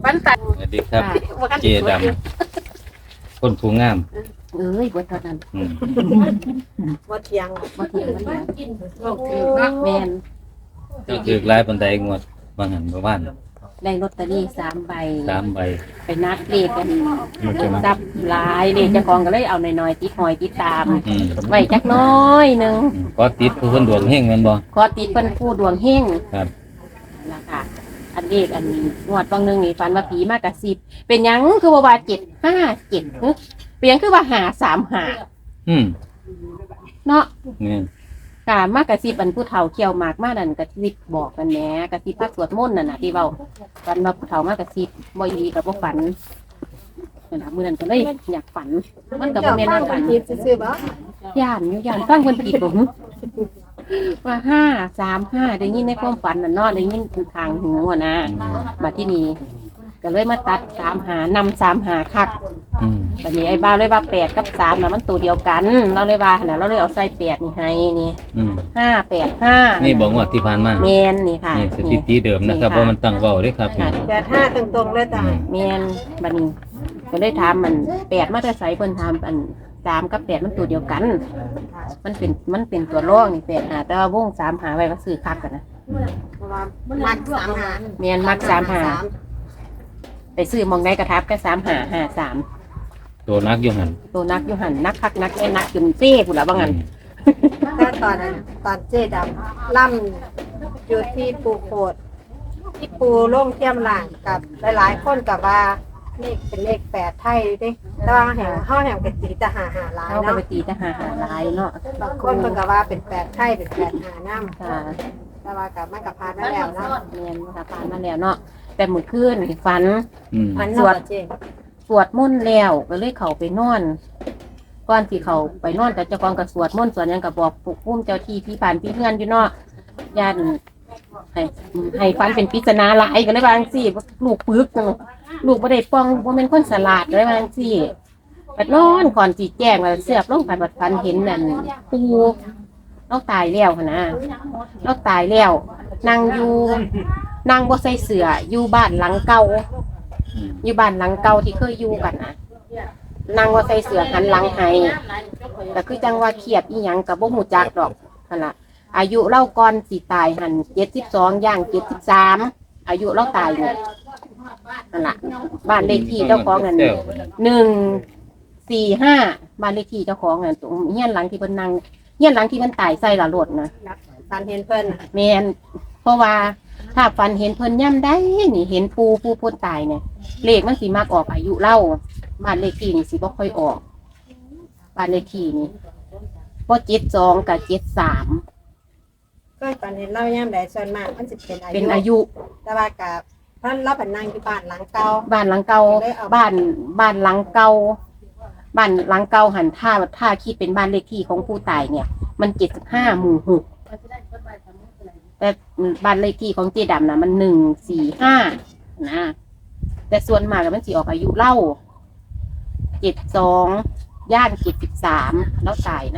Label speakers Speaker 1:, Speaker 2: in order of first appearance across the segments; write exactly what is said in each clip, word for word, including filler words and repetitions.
Speaker 1: ฝันตัด
Speaker 2: สวัสดีครับเจดำคนผู้งาม
Speaker 1: เอ้ยบ่เท่านั้น
Speaker 2: อืม
Speaker 3: บ่เที่ยง
Speaker 1: บ่เถียงบ่เถียง
Speaker 3: บ่คือเนาะ
Speaker 1: แม่น
Speaker 2: ก็คือหลายปานใดงวดบางหันบ่ว่าน
Speaker 1: ได้ลอตเตอรี่สามใบ
Speaker 2: สามใบ
Speaker 1: ไปนัดเลขกันจับหลายเลขเจ้าของก็เลยเอาน้อยๆติดหอยติดตาม
Speaker 2: อืม
Speaker 1: ไว้จักหน้อยหนึง
Speaker 2: อืมก็ติดผู้คนดวงเฮงแม่นบ่
Speaker 1: ขอติดเพิ่นผู้ดวงเฮง
Speaker 2: ครับ
Speaker 1: ล่ะค่ะอันเลขอันงวดบางหนึงนี่ฝันว่าผีมากระซิบเป็นหยังคือว่าว่าเจ็ดห้าเจ็ดหึเป็นหยังคือว่าหาสามหา
Speaker 2: อืม
Speaker 1: เนาะ
Speaker 2: แม่น
Speaker 1: กามากระซิบอันผู้เฒ่าเขี่ยวหมากมานั่นกระซิบบอกกันแหน่กระซิบพักสวดมนต์นั่นน่ะที่เว้าฝันว่าผู้เฒ่ามากระซิบบ่อีหลีกับบ่ฝันนั่นน่ะมื้อนั้นก็เลยอยากฝันมันก็บ่แม่น
Speaker 3: ฟั
Speaker 1: ว่าง ฝัน
Speaker 3: คิดซื่อๆบ่
Speaker 1: ย่านอยู่ย่านฟังเพิ่นผิดบ่หึว่าห้า สาม ห้าได้ยินในความฝันน่ะเนาะได้ยินคือทางหูอะนะบัดที่นี้ก็เลยมาตัดสามหานำสามหาคัก
Speaker 2: อืม
Speaker 1: บัดนี้ไอ้บ้าวเลยว่าแปดกับสามน่ะมันตัวเดียวกันเราเลยว่าน่ะเราเลยเอาใส่แปดนี่ให้นี่
Speaker 2: อืม
Speaker 1: ห้า แปด ห้า
Speaker 2: นี่บอกงวดที่ผ่านมา
Speaker 1: แมนนี่ค่ะ
Speaker 2: นี่สถิติเดิมนะครับว่ามันตั้งเว้าเด้ครับ
Speaker 1: ค่ะ
Speaker 3: แปดห้าตรงๆเลยจ้ะ
Speaker 2: อืม
Speaker 1: แมนบัดนี้ก็เลยถามมันแปดมาแต่ใส่เพิ่นถามอันสามกับแปดมันตัวเดียวกัน มันเป็นมันเป็นตัวรองนี่แปดหาแต่ว่าวงสามหาไว้ก็ซื้อคักกันนะ
Speaker 3: เพราะว่ามักสามหา
Speaker 1: แมนมักสามหาไปซื้อมองได้กระทับแค่สามหาห้าสาม
Speaker 2: ตัวนักอยู่หั่น
Speaker 1: ตัวนักอยู่หันนักคักนักแค่นักจนเซ่พุ่นละว่างั้น
Speaker 3: ถ้าตอนนั้นตอนเจ๊ดำล่ำอยู่ที่ปูโคดที่ปูโล่งเทียมหลังกับหลายๆคนกับว่าเลขเป็นเลขแปดไทยเด้แต่ว่าแห่งเฮาแห่งเป็นตีทหารหาหลาย
Speaker 1: เขาก็
Speaker 3: เนาะ
Speaker 1: ไปตีทหารหาลายเนาะ
Speaker 3: บางคนเพิ่นก็ว่าเป็นแปดไทยเป็นแปดหาน้ำ
Speaker 1: ค่ะ
Speaker 3: แต่ว่ากับมันกับพานมาแล้วเนาะ
Speaker 1: แมนมาผ่านมาแล้วเนาะแต่มื้อคืนนี่ฝัน
Speaker 2: อืม
Speaker 3: มัน
Speaker 1: สวด
Speaker 3: เจ๊
Speaker 1: สวดมนต์แล้วก็เลยเข้าไปนอนก่อนที่เขาไปนอนแต่เจ้าของก็สวดมนต์สวดหยังก็บอกปลุกพุ่มเจ้าที่พี่ผ่านพี่เพื่อนอยู่เนาะย่านให้ให้ฟันเป็นปริศนาหลายก็เลยว่าจังซี่ลูกปึกจังลูกบ่ได้ป้องบ่แม่นคนสลาดเลยว่าจังซี่บัดนอนก่อนสิแจ้งว่าเสือบลงไปบัดฟันเห็นนั่นปูเราตายแล้วหั่นนะเราตายแล้วนั่งอยู่นั่งบ่ใส่เสื้ออยู่บ้านหลังเก่า
Speaker 2: อืม
Speaker 1: อยู่บ้านหลังเก่าที่เคยอยู่กันนะนางว่าใส่เสื้อหันหลังให้แต่คือจังว่าเครียดอีหยังกับบ่หูจักดอกนั่นล่ะอายุเล่าก่อนสิตายหันเจ็ดสิบสองย่างเจ็ดสิบสามอายุเล่าตายอยู่นั่นล่ะบ้านเลขที่เจ้าของนั่นหนึ่งสี่ห้าบ้านเลขที่เจ้าของนั่นตรงเฮียนหลังที่เพิ่นนั่งเฮียนหลังที่เพิ่นตายใส่ละรถนะ
Speaker 3: ตอนเห็นเพิ่น
Speaker 1: แม่นเพราะว่าถ้าฝันเห็นเพิ่นย่ำได้นี่เห็นปูปูพ้นตายเนี่ยเลขมันสิมากออกอายุเล่าบ้านเลขที่นี่สิบ่ค่อยออกบ้านเลขที่นี่บ่เจ็ดสองกับเจ็ดสาม
Speaker 3: ก็ตอนเห็นเล่าย่ำใดส่วนมากมันสิเป็นอายุ
Speaker 1: เป็นอายุ
Speaker 3: แต่ว่ากับเพิ่นเราเป็นนั่งอยู่บ้านหลังเก่า
Speaker 1: บ้านหลังเก่าบ้านบ้านหลังเก่าบ้านหลังเก่าหันท่าท่าคิดเป็นบ้านเลขที่ของผู้ตายเนี่ย มันเจ็ดสิบห้าหมู่หกแต่บ้านเลขที่ของเจดํนะมันหนึ่งสี่ห้านะแต่ส่วนมากมันสิออกอายุเล่าเจ็ดสองย่านเจ็ดสิบสามแล้วตายนะ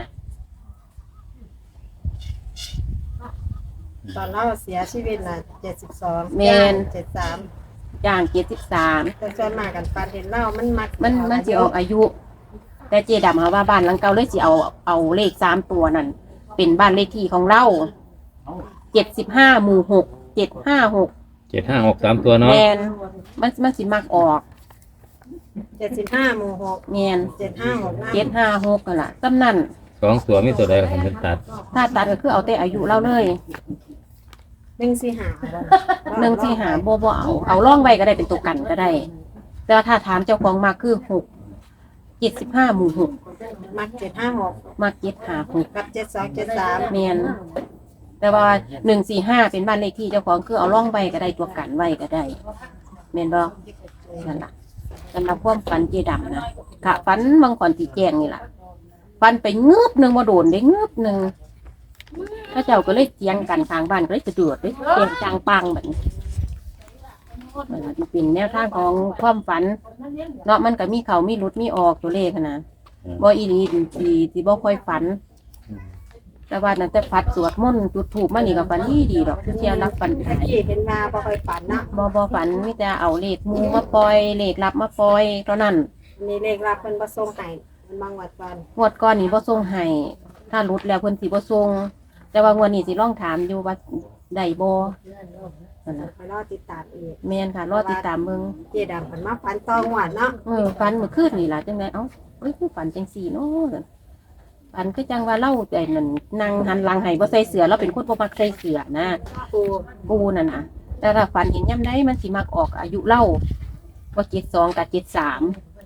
Speaker 3: ตอนเราเสียชีวิตน่ะเจ็ดสิบสอง
Speaker 1: แมน
Speaker 3: เจ็ดสาม
Speaker 1: ย่างเจ็ดสิบสาม
Speaker 3: แต่ส่วนมากกันฟันเห็นเล่ามันมัก
Speaker 1: มันมันสิออกอายุ แต่เจดํเขาว่าบ้านหลังเก่าเลยสิเอาเอาเลขสามตัวนั่นเป็นบ้านเลขที่ของเราเจ็ดสิบห้าหมู่หกเจ็ดห้าหก
Speaker 2: เจ็ดห้าหกสามตัวเนาะ
Speaker 1: แมนมันมันสิมักออก
Speaker 3: เจ็ดสิบห้าหมู่หก
Speaker 1: แมน
Speaker 3: เจ็ดห้าหก
Speaker 1: เจ็ดห้าหกกันล่ะตำนั่น
Speaker 2: สองตัวมีตัวใดผมเป็นตัด
Speaker 1: ถ้าตัดก็คือเอาแต่อายุเราเลย
Speaker 3: หนึ่งสี่หา
Speaker 1: หนึ่งที่หาบ่บ่เอาเอาล่องไว้ก็ได้เป็นตัวกันก็ได้ แต่ว่าถ้าถามเจ้าของมากคือหกเจ็ดสิบห้าหมู่หก
Speaker 3: มักเจ็ดห้าหก
Speaker 1: มากเจ็ดหาหก
Speaker 3: กับเจ็ดสองเจ็ดสาม
Speaker 1: แมนแต่ว่าหนึ่งสี่ห้าเป็นบ้านเลขที่เจ้าของคือเอาล่องไว้ก็ได้ตัวกันไว้ก็ได้แมนบ่นั่นล่ะสำหรับความฝันเจดํนะค่ะฝันบางก่อนสีแจงนี่ล่ะฝันไปงืบหนึ่งมาโดนได้งืบหนึ่งพระเจ้าก็เลยเจียงกันทางบ้านก็เลยจะเดือดเลยเจียงจางปังแบบนี้มันเป็นแนวทางของความฝันเนาะมันก็มีเขามีรุดมีออกตัวเลขนะบ่อีนีที่ที่บ่ค่อยฝันแต่ว่านั้นแต่ฟัดสวดมนต์จุดธูปมานี่ก็ฝันดีดีดอกคือเที่ยวรับฝัน
Speaker 3: ตะ
Speaker 1: หาย
Speaker 3: กี้เห็นมาบ่ค่อยฝันเนาะ
Speaker 1: บ่บ่ฝันมีแต่เอาเลขหมูมาปล่อยเลขลับมาปล่อยเท่านั้น
Speaker 3: อันนี้เลขรับเพิ่นบ่ส่งให้มันบางวัดก่อน
Speaker 1: งวดก่อนนี่บ่ส่งให้ถ้าหลุดแล้วเพิ่นสิบ่ส่งแต่ว่างวดนี้สิลองถามอยู่ว่าได้บ่นั่นน่ะ
Speaker 3: ไปรอติดตามอีก
Speaker 1: แม่นค่ะรอติดตามเบิ่ง
Speaker 3: เจดำเพิ่นมาฝันตองหวดเนาะ
Speaker 1: เออฝันเมื่อคืนนี่ล่ะจังไดเอ้าเอ้ยคือฝันจังซี่เนาะฝันคือจังว่าเราไอ้นั่นนั่งหันหลังให้บ่ใส่เสื้อเราเป็นคนบ่มักใส่เสื้อนะ
Speaker 3: ปู
Speaker 1: ปูนั่นน่ะแต่ถ้าฝันเห็นย่ำใดมันสิมักออกอายุเล่าว่าเจ็ดสองกับเจ็ดสาม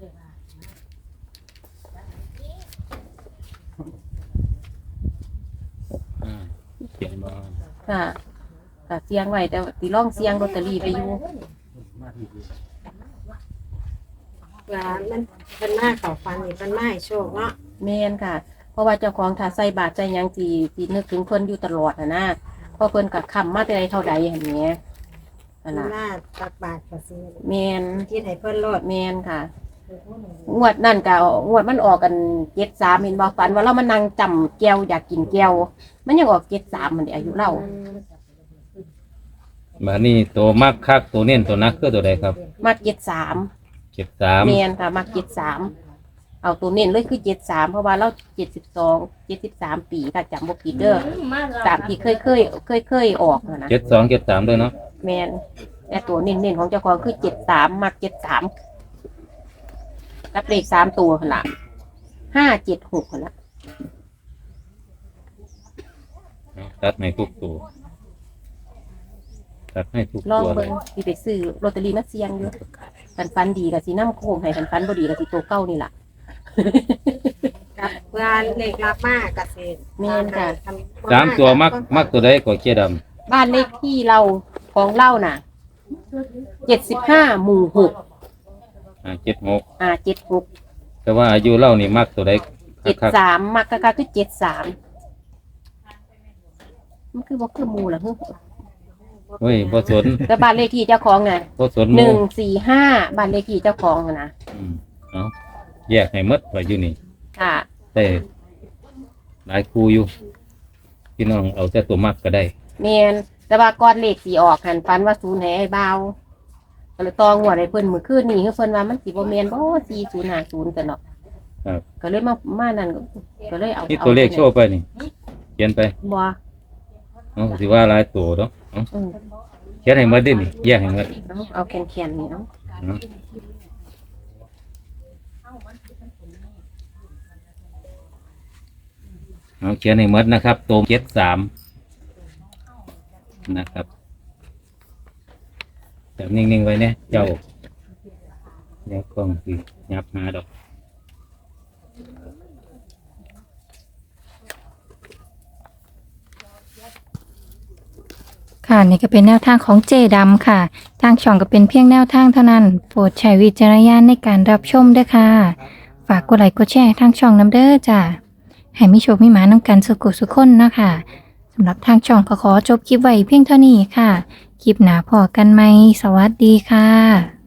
Speaker 2: อ่าเขียนมา
Speaker 1: ค่ะค่ะเสียงไว้แต่ตีร่องเสียงลอตเตอรี่ไปอยู่
Speaker 3: ว่ามันเพิ่นมาเข้าฝันนี่เพิ่นมาให้โชคเนาะ
Speaker 1: แม่นค่ะ เพราะว่าเจ้าของถ้าใส่บาทใจยังจีจีนึกถึงเพิ่นอยู่ตลอดนะนะเพราะเพิ่นกับคำมาแต่ใดเท่าใดอย่างเงี้ยนั่น
Speaker 3: เพิ่น
Speaker 1: ล่ะ
Speaker 3: มาตักบาตรก็สิ
Speaker 1: แม่น
Speaker 3: คิดให้เพิ่นโลด
Speaker 1: แม่นค่ะ งวดนั่นก็งวดมันออกกันเจ็ดสามเห็นบ่ฝันว่าเรามานั่งจำแก้วอยากกินแก้วมันยังออกเจ็ดสามมันเดอายุเรา
Speaker 2: บัดนี้ตัวมักคักตัวเน้นตัวนักคือตัวใดครับ
Speaker 1: มาเจ็ดสาม
Speaker 2: เจ็ดสาม
Speaker 1: เมียนค่ะมาเจ็ดสามเอาตัวเน้นเลยคือเจ็ดสามเพราะว่าเราเจ็ดสิบสองเจ็ดสิบสามปีค่ะจำบกิดเด้อตามที่เคยเคยเคยเคยออกน่ะนะ
Speaker 2: เจ็ดสองเจ็ดสามด้วยเนาะ
Speaker 1: แมนแต่ตัวเน้นเน้นของเจ้าของคือเจ็ดสามมาเจ็ดสามรับเลขสามตัวขนาดห้าเจ็ดหกขนาด
Speaker 2: ตัดให้ทุกตัวตัดให้ทุก
Speaker 1: ลอง
Speaker 2: ตัวเล
Speaker 1: เบิ่
Speaker 2: ย
Speaker 1: งที่ไปซื้อลอตเตอรี่มาเสี่ยงอยู่กันฟันดีกับสีน้ำโค้งให้กันฟันบ่ดีกับสีตัวเก้านี่แหละ
Speaker 3: กับเพื่อเลขรับมาก็สิ
Speaker 1: แม่นค่ะ
Speaker 2: สามตัวมักมักตัวใดก็เจด
Speaker 1: บ้านเลขที่เราของเล่าน่ะเจ็ดสิบห้าหมู่หก
Speaker 2: ำอ่าเจ็ดหก
Speaker 1: อ่าเจ็ดหก
Speaker 2: แต่ว่าอายุเล่านี่มักตัวใด
Speaker 1: เจ็ด
Speaker 2: คัก
Speaker 1: สามมักกะกะคือเจ็ดสามมันคือบ่คือหมูล่ะคือ
Speaker 2: ๆเฮ้ยบ่สน
Speaker 1: แต่บ้านเลขที่เจ้าของน่ะ
Speaker 2: บ่สนห
Speaker 1: ห
Speaker 2: มู่
Speaker 1: นึ่งสี่ห้าบ้านเลขที่เจ้าของน่ะนะ
Speaker 2: อืมเอาแยกให้หมดไว้อยู่นี่
Speaker 1: ค่ะ
Speaker 2: แต่หลายครูอยู่พี่น้องเอาแต่ตัวมักก็ได้
Speaker 1: เมียนแต่ว่าก้อนเลขสีออกหันฟันว่าศูนย์ให้ไอ้เบาก็เลยตองหัวดให้เพิ่นมื้อคืนนี้คือเพิ่นว่ามันสิบ่แม่นบ่สี่ศูนย์ห้าศูนย์กันเนาะ
Speaker 2: ครับ
Speaker 1: ก็เลยมามานั่นก็ก็เลยเอา
Speaker 2: นี่ตัวเลขโชว์ไปนี่เขียนไป
Speaker 1: บ่
Speaker 2: เอาสิว่าหลายตัวเนาะเอา
Speaker 1: อืม
Speaker 2: เขียนให้หมดดินี่แยกให้หมด
Speaker 1: เอาเอาแคนๆนี่เนาะ
Speaker 2: เอาเอาเขียนให้หมดนะครับตัวเจ็ดสามนะครับจับนิ่งๆไว้เนี่ยเจ้าเดี๋ยวกล้องสิยับมาดอก
Speaker 4: ค่ะนี่ก็เป็นแนวทางของเจดำค่ะ ทางช่องก็เป็นเพียงแนวทางเท่านั้น โปรดใช้วิจารณญาณในการรับชมด้วยค่ะ ฝากกดไลค์กดแชร์ทางช่องน้ำเด้อจ้ะให้มีโชคมีหมาน้ำกันสุขสุขคนนะคะสำหรับทางช่องก็ขอจบคลิปไว้เพียงเท่านี้ค่ะ คลิปหน้าพอกันไหมสวัสดีค่ะ